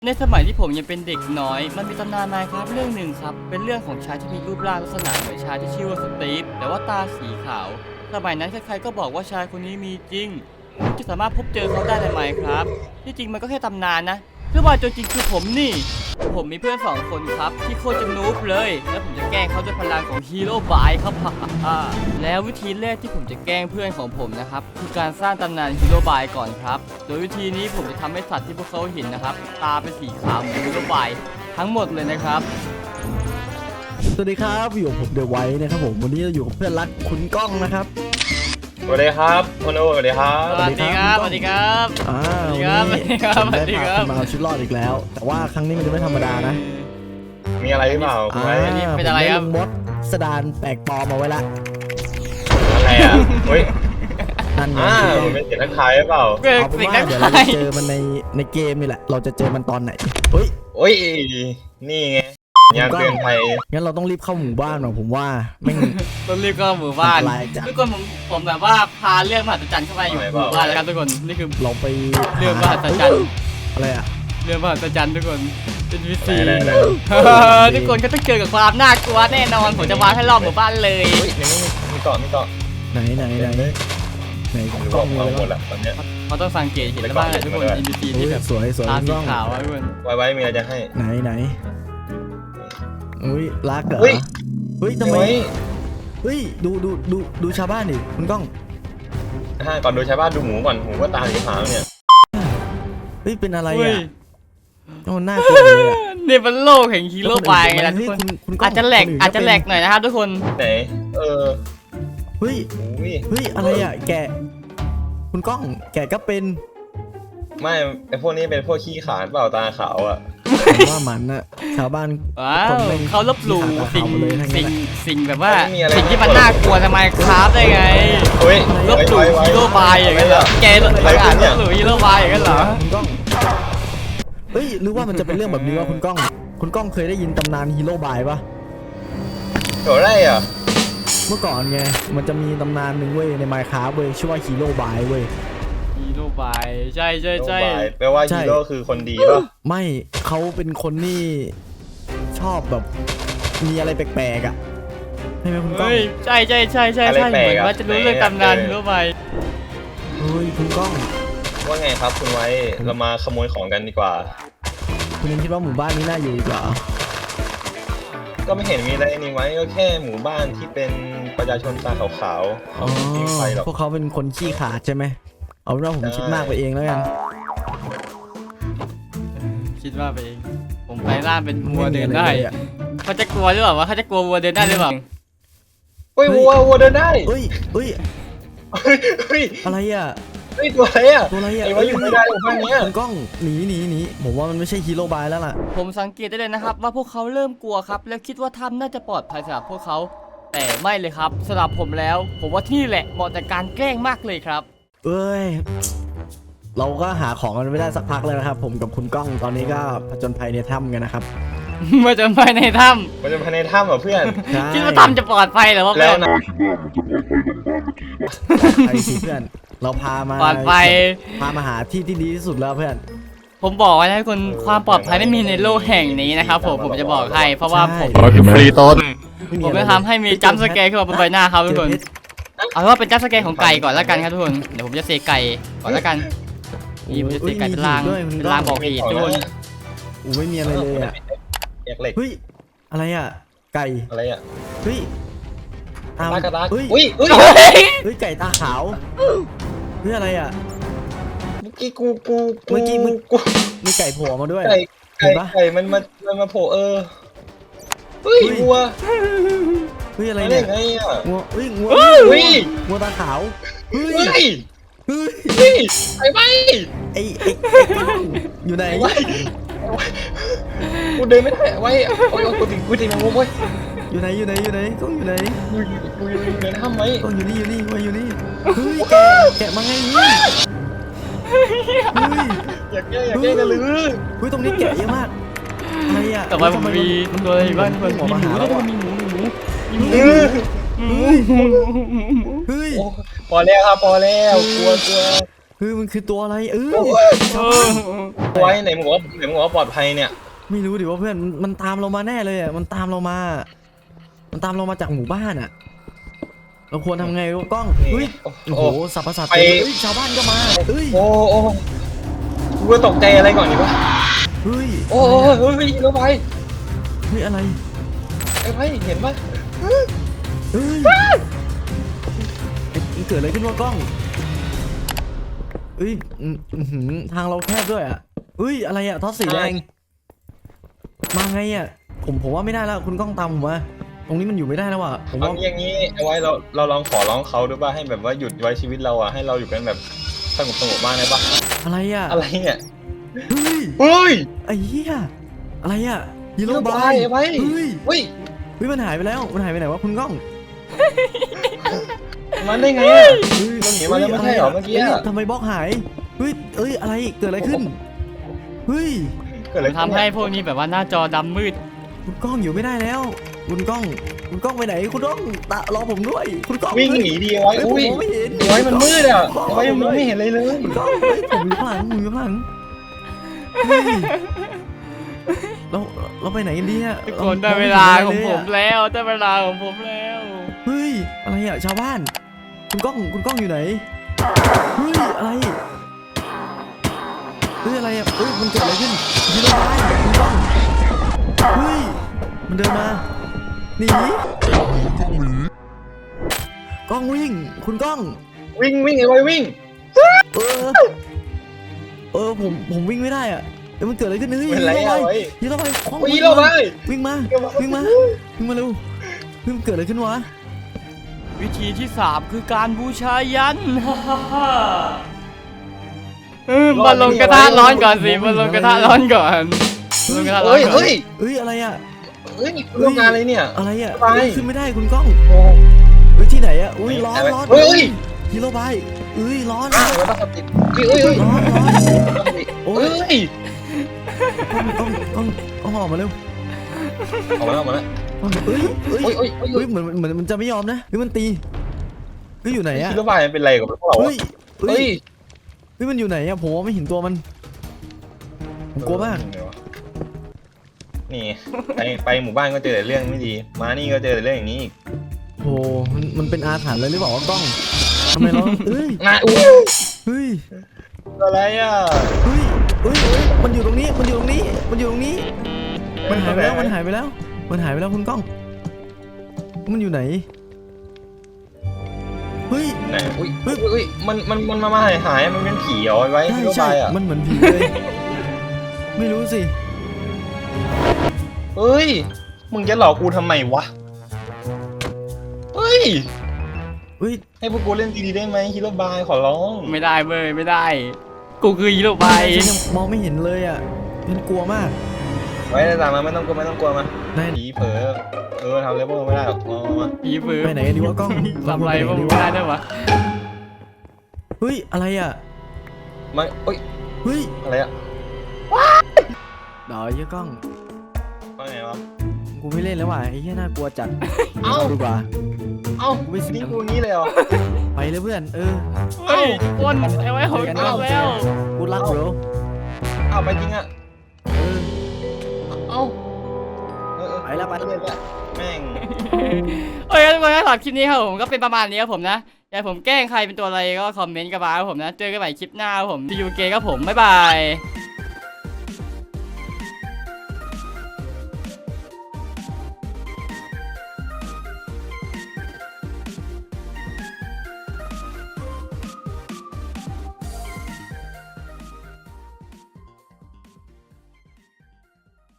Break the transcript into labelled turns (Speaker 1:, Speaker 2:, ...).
Speaker 1: ในสมัยที่ผมยังเป็นเด็กน้อยมันมีตำนานMinecraftเรื่องหนึ่งครับเป็นเรื่องของชายที่มีรูปร่างลักษณะเหมือนชายที่ชื่อว่าสตีฟแต่ว่าตาสีขาวสมัยนั้นใครๆก็บอกว่าชายคนนี้มีจริงที่สามารถพบเจอเขาได้ในMinecraftที่จริงมันก็แค่ตำนานนะเพื่อว่าตัวจริงคือผมนี่ผมมีเพื่อน2 คนครับที่โคตรจะนูบเลยแล้วผมจะแกล้งเขาด้วยพลังของฮีโร่บายครับแล้ววิธีแรกที่ผมจะแกล้งเพื่อนของผมนะครับคือการสร้างตำนานฮีโร่บายก่อนครับโดยวิธีนี้ผมจะทำให้สัตว์ที่พวกเขาเห็นนะครับตาเป็นสีขาวเหมือนฮีโร่บายทั้งหมดเลยนะครับ
Speaker 2: สวัสดีครับอยู่กับผมเดอะไวท์นะครับผมวันนี้เราอยู่กับเพื่อนรักคุณก้องนะครับ
Speaker 3: สวัสดีครับคุณโอสวัสดีครับ
Speaker 1: สวัสดีครับสวัสดีครับ
Speaker 2: สวัสดีครับวันนี้ผมได้พาคุณมาเอาชีวิตรอดอีกแล้วแต่ว่าครั้งนี้มันจะไม่ธรรมดานะ
Speaker 3: มีอะไรหรือเปล่าคุณไว้
Speaker 1: เป็นอะไรครับ
Speaker 2: มดสดานแปลกปลอมมาไว้ละ
Speaker 3: อะไรอ่ะเฮ้ย
Speaker 2: นั่นไง
Speaker 3: มันเป็นเสียงทักทายหรือเปล่า
Speaker 2: เอาเป็นว่าเดี๋ยวเราจะเจอมันในเกมนี่แหละเราจะเจอมันตอนไหนเฮ้ย
Speaker 3: นี่ไงยามเตือนภัย
Speaker 2: งั้นเราต้องรีบเข้าหมู่บ้านหน่อยผมว่าไม่
Speaker 1: ต้องรีบเข้าหมู่บ้านทุกคนผมแบบว่าพาเรื่องมหัศจรรย์เข้าไปอยู่หมู่บ้านแล้วครับทุกคนนี่คือ
Speaker 2: เราไป
Speaker 1: เรื่องมหัศจรรย์
Speaker 2: อะไรอะ
Speaker 1: เรื่องมหัศจรรย์ทุกคนเป็นวิธีทุกคนก็ต้องเจอกับความน่ากลัวแน่นอนผมจะมาให้รอบหมู่บ้านเลย
Speaker 3: มีเกาะ
Speaker 2: ไหน
Speaker 3: กล้องมาหมดละตอนเนี้ย
Speaker 1: เขาต้องสังเกตเห็นแล้วบ้างทุกคนอินดิซีที่แบบ
Speaker 2: สวย
Speaker 1: ตาสีขาวทุกคน
Speaker 3: ไว้มีอะไรจะให้
Speaker 2: ไหนอุ้ยรักเหรอเฮ้ยทำไมเฮ้ยดูชาวบ้านดิคุณก้อง
Speaker 3: ก่อนดูชาวบ้านดูหมูก่อนหมูก็ตาสีขาวเนี่ย
Speaker 2: เฮ้ยเป็นอะไรอ่ะโอ้น่ากลัวเลยอ่ะ
Speaker 1: นี่เป็นโลกแห่งฮีโร่บายไงนะทุกคนอาจจะแหลกหน่อยนะครับทุกคน
Speaker 3: ไหน
Speaker 2: เฮ้ยอะไรอ่ะแกคุณก้องแกก็เป็น
Speaker 3: ไม่ไอพวกนี้เป็นพวกขี้ขานเปล่าตาขาวอ่ะ
Speaker 2: ว่ามันอะชาวบ้าน
Speaker 1: เขาลบหลู่สิ่งแบบว่าสิ่งที่มันน่ากลัวทำไมครับได้ไงลบหลู่ฮีโร่บายอย่างนั้นเหรอแกลบหลู่ฮีโร่บายอย่างนั้นเหรอ
Speaker 2: คุณก้องเฮ้ยหรือว่ามันจะเป็นเรื่องแบบนี้วะคุณก้องเคยได้ยินตำนานฮีโร่บายปะ
Speaker 3: โหอะไรอ่ะ
Speaker 2: เมื่อก่อนไงมันจะมีตำนานหนึ่งเว้ยในMinecraftเว้ยชื่อว่าฮีโร่บายเว้ย
Speaker 1: ฮีโร่บายใช่
Speaker 3: แปลว่าฮีโร่คือคนดีป่ะ
Speaker 2: ไม่เขาเป็นคนที่ชอบแบบมีอะไรแปลกๆอ่ะใช่ไหมคุณก้อง
Speaker 1: ใช่เหมือนว่าจะรู้เรื่องตำนานฮีโร่บาย
Speaker 2: เฮ้ยคุณก้อง
Speaker 3: ว่าไงครับคุณไว้เรามาขโมยของกันดีกว่า
Speaker 2: คุณยังคิดว่าหมู่บ้านนี้น่าอยู่อีกเหรอ
Speaker 3: ก็ไม่เห็นมีอะไรนี่ไว้ก็แค่หมู่บ้านที่เป็นประชาชนตาขาว
Speaker 2: ๆพวกเขาเป็นคนขี้ขาดใช่ไหมเอาเป็นว่าผมคิดมากไปเองแล้วกัน
Speaker 1: คิดว่าไปเองผมไปล่าเป็นวัวเดินได้เขาจะกลัวหรือเปล่าวะเขาจะกลัววัวเดินได้หรือเปล่า
Speaker 3: วัวเดินได้
Speaker 2: เฮ้ยอะไรอ่ะ
Speaker 3: ตัวอะไรอ่ะไอ้ว่าอยู่ไม่ได้บ้านนี้
Speaker 2: กล้องหนีผมว่ามันไม่ใช่ฮีโร่บายแล้วล่ะ
Speaker 1: ผมสังเกตได้เลยนะครับว่าพวกเขาเริ่มกลัวครับแล้วคิดว่าถ้ำน่าจะปลอดภัยสำหรับพวกเขาแต่ไม่เลยครับสำหรับผมแล้วผมว่าที่นี่แหละเหมาะกับการแกล้งมากเลยครับ
Speaker 2: เอ้ยเราก็หาของกันไม่ได้สักพักเลยนะครับผมกับคุณก้องตอนนี้ก็ผจญภัยในถ้ำกันนะครับ
Speaker 1: ผจญภัยในถ้ำ
Speaker 3: เหรอเพื่อน
Speaker 1: คิดว่าถ้ำจะปลอดภัยหรือว่า
Speaker 3: แล้วนะ
Speaker 2: ไปสิเพื่อนเราพามา
Speaker 1: ปลอดภัย
Speaker 2: พามาหาที่ที่ดีที่สุดแล้วเพื่อน
Speaker 1: ผมบอกไว้ให้คุณความปลอดภัยไม่มีในโลกแห่งนี้นะครับผมจะบอกให้เพราะว่าผม
Speaker 3: ฟรีต้น
Speaker 1: ผมจะทำให้มีจัมป์สแกร์ขึ้นมาบนใบหน้าครับทุกคนเอาว่าเป็นจัมป์สแกร์ของไก่ก่อนแล้วกันครับทุกคนเดี๋ยวผมจะเสกไก่ก่อนแล้วกันนี่ผมจะเสกไก่เป็นลางบอกเหตุทุกคน
Speaker 2: ไม่มีอะไรเลยอ่ะเฮ้ยอะไรอ่ะไก่
Speaker 3: อะไรอ่ะ
Speaker 2: เฮ้ย
Speaker 3: ตากระดาษ
Speaker 2: เฮ้ยไก่ตาขาวเฮ้ยอะไรอ่ะ
Speaker 3: เมื่อกี้กู
Speaker 2: มีไก่โผล่มาด้วย
Speaker 3: ไก่มันมาโผล่เฮ้ยวัว
Speaker 2: เฮ้ยอะไรเนี่ยงัวตาขาว
Speaker 3: เฮ้ยไอ้
Speaker 2: อยู่ไหน
Speaker 3: กูเดินไม่ได้ไว้โอ้ยกูตีมันงงเว้ย
Speaker 2: อยู่ไหนต้องอยู่ไหน
Speaker 3: กูอยู่ในถ้ำไหม
Speaker 2: ต้องอยู่นี่เฮ้ยแกะมาไงนี่
Speaker 3: อยากแก้กันเลย
Speaker 2: เฮ้ยตรงนี้แกะเยอะมากอะไรอ่ะ
Speaker 1: แต่ว่าผมมีตัวอะไรบ้างมีหมู
Speaker 2: เฮ้ย
Speaker 3: พอแล้วครับพอแล้วกลัว
Speaker 2: เฮ้ยมันคือตัวอะไร
Speaker 1: เออ
Speaker 3: ไว้ไหนมึงบอกว่าปลอดภัยเนี่ย
Speaker 2: ไม่รู้ดิว่าเพื่อนมันตามเรามาแน่เลยอ่ะมันตามเรามาจากหมู่บ้านอ่ะเราควรทำไงวะกล้องเฮ้ยโอ้โหสับประสาทเฮ้ยชาวบ้านก็มาเฮ้ย
Speaker 3: โอ้กูก็ตกใจอะไรก่อนดีวะ
Speaker 2: เฮ้ย
Speaker 3: โอ้เฮ้ยรถไฟ
Speaker 2: เฮ้ยอะไร
Speaker 3: ไอ้ไฟเห็นปะ
Speaker 2: เฮ้ยเกิดอะไรขึ้นวะกล้องเฮ้ยทางเราแคบด้วยอ่ะเฮ้ยอะไรอ่ะท็อปสีแดงมาไงอ่ะผมว่าไม่ได้แล้วคุณกล้องตามผมมาตรงนี้มันอยู่ไม่ได้แล้วอ่ะผม
Speaker 3: เอา
Speaker 2: ว่า
Speaker 3: อย่างนี้เอาไว้เราลองขอร้องเขาดูป่ะให้แบบว่าหยุดไว้ชีวิตเราอ่ะให้เราอยู่กันแบบสงบบ้างได้ป่ะ
Speaker 2: อะไรอ่ะ
Speaker 3: อะไรเนี่ย
Speaker 2: เฮ้ย
Speaker 3: เฮ้ย
Speaker 2: ไอ้เหี้ยอะไรอ่ะฮีโร่
Speaker 3: Yellow
Speaker 2: บา
Speaker 3: Bye
Speaker 2: ย
Speaker 3: ไอ้ไว้
Speaker 2: เฮ้ย
Speaker 3: เฮ้ย
Speaker 2: เฮ้ยมันหายไปแล้วมันหายไปไหนวะคุณกล้อง
Speaker 3: มันได้ไงอ่ะมันหนีมาแล้วไม่ใช่เหรอเมื่อกี้
Speaker 2: ฮ้ย
Speaker 3: อะ
Speaker 2: ทำไมบล็อกหายเฮ้ยอะไรเกิดอะไรขึ้นเฮ้ย
Speaker 3: เกิดอะไรขึ้น
Speaker 1: ทำให้พวกนี้แบบว่าหน้าจอดำมืด
Speaker 2: คุณกล้องอยู่ไม่ได้แล้วคุณกล้องไปไหนคุณกล้องรอผมด้วยคุณกล้อง
Speaker 3: วิ่งหนีดีไว้
Speaker 2: เฮ้ยผม
Speaker 3: อุ้ย
Speaker 2: มองไม่เห็น
Speaker 3: ไว้มันมืดอ่ะไว้มันไม่เห็นอะไรเลย
Speaker 2: คุณกล้องเฮ้ยผมอยู่ข้างหลังเฮ้ยเราไปไหนกันดีอะ
Speaker 1: ทุกคนได้เวลาของผมแล้วได้เวลาของผมแล้ว
Speaker 2: เฮ้ยอะไรอะชาวบ้านคุณกล้องอยู่ไหนเฮ้ยอะไรเฮ้ยอะไรอะเฮ้ยมันเกิดอะไรขึ้นฮีโร่บายคุณกล้องเฮ้ยมันเดินมาหนีกล้องวิ่งคุณกล้อง
Speaker 3: วิ่งไอ้ไว้วิ่ง
Speaker 2: ผมวิ่งไม่ได้อะเอ้ยมันเกิดอะไรขึ้นเฮ้ย
Speaker 3: เป็นไรอะไว้
Speaker 2: ฮีโร่บาย
Speaker 3: วิ่งเราไป
Speaker 2: วิ่งมาเร็วเฮ้ยมันเกิดอะไรขึ้นวะ
Speaker 1: วิธีที่ 3 คือการบูชายัน มาลงกระทะร้อนก่อนสิมาลงกระทะร้อนก่อนมาลงกระทะร้อนก่อน
Speaker 3: เฮ้ย
Speaker 2: เฮ้ยอะไรอะ
Speaker 3: โรงงานอะไรเนี่ย
Speaker 2: อะไรอะ
Speaker 3: ไป
Speaker 2: เฮ้ยขึ้นไม่ได้คุณกล้อง
Speaker 3: โอ้
Speaker 2: เฮ้ยที่ไหนอะอุ้ยร้อน
Speaker 3: เฮ้ย
Speaker 2: ฮีโร่บายเอ้ยร้อน
Speaker 3: อ้าวตั้งสติเฮ้ย
Speaker 2: ร้อน
Speaker 3: โอ้ย
Speaker 2: ต้องออกมาเร็ว
Speaker 3: ออกมาแล้ว
Speaker 2: เฮ้ย
Speaker 3: โอ้ย
Speaker 2: เหมือนมันจะไม่ยอมนะเฮ้ยมันตีเฮ้ยอยู่ไหนอะ
Speaker 3: คิดว่าบ้านมันเป็นไรกับพวกเรา
Speaker 2: เฮ้ย
Speaker 3: เฮ้ย
Speaker 2: มันอยู่ไหนอะผมไม่เห็นตัวมันผมกลัวมาก
Speaker 3: นี่ไปหมู่บ้านก็เจอแต่เรื่องไม่ดีมานี่ก็เจอแต่เรื่องอย่างนี้อีก
Speaker 2: โอ้มันเป็นอาถรรพ์เลยหรือเปล่าวะกล้องทำไมเราเอ้ย
Speaker 3: งานอุ้ย
Speaker 2: เฮ้ย
Speaker 3: อะไรอ่ะ
Speaker 2: เฮ้ยมันอยู่ตรงนี้มันหายไปแล้วคุณกล้องมันอยู่ไหนเฮ้ย
Speaker 3: ไหนอุ้ยมันมาหายมันเป็นผีเหรอไว้ที่รถไฟอ่ะ
Speaker 2: มันเหมือนผีเลยไม่รู้สิ
Speaker 3: เฮ้ยมึงจะหลอกกูทำไมวะเฮ้ย
Speaker 2: เฮ้ย
Speaker 3: ให้พวกกูเล่นดีๆได้ไหมฮีโร่บายขอร้อง
Speaker 1: ไม่ได้เว้ยไม่ได้ กูคือฮีโร่ไป
Speaker 2: ฉันยังมองไม่เห็นเลยอ่ะฉันกลัวมาก
Speaker 3: ไว้ตามมาไม่ต้องกลัวมา
Speaker 2: ได้
Speaker 3: ผีเผลอทำอะไรพวกมึงไม่ได้หรอกมา
Speaker 1: ผีฝืน
Speaker 2: ไปไหนกันดีวะกล้อง
Speaker 1: ทำอะไรพวกมึงไม่ได้ด้วยวะ
Speaker 2: เฮ้ยอะไรอ่ะ
Speaker 3: มาเอ้ย
Speaker 2: เฮ้ย
Speaker 3: อะไรอ่ะ
Speaker 2: เดี๋ยวไอ้เหี้ยกล้อง
Speaker 3: ว่าไงวะ
Speaker 2: กูไม่เล่นแล้วว่ะไอ้เหี้ยน่ากลัวจัด
Speaker 3: เอ้า
Speaker 2: ดีกว่า
Speaker 3: เอ้านี่กูงี้เลยเหรอ
Speaker 2: ไปเลยเพื่อน
Speaker 1: เฮ้ยคนไอ้ไว้หกกันแล้ว
Speaker 2: กูรักบร
Speaker 3: เอ้าไปจริงอ่ะ เอ้า
Speaker 2: ไปแล้วไป
Speaker 3: เล่นละแม่ง
Speaker 1: เฮ้ยทุกคนถ้าชอบคลิปนี้ครับผมก็เป็นประมาณนี้ครับผมนะอย่าผมแกล้งใครเป็นตัวอะไรก็คอมเมนต์กันมาครับผมนะเจอกันใหม่คลิปหน้าครับผมที่ยูเกครับผมบ๊ายบาย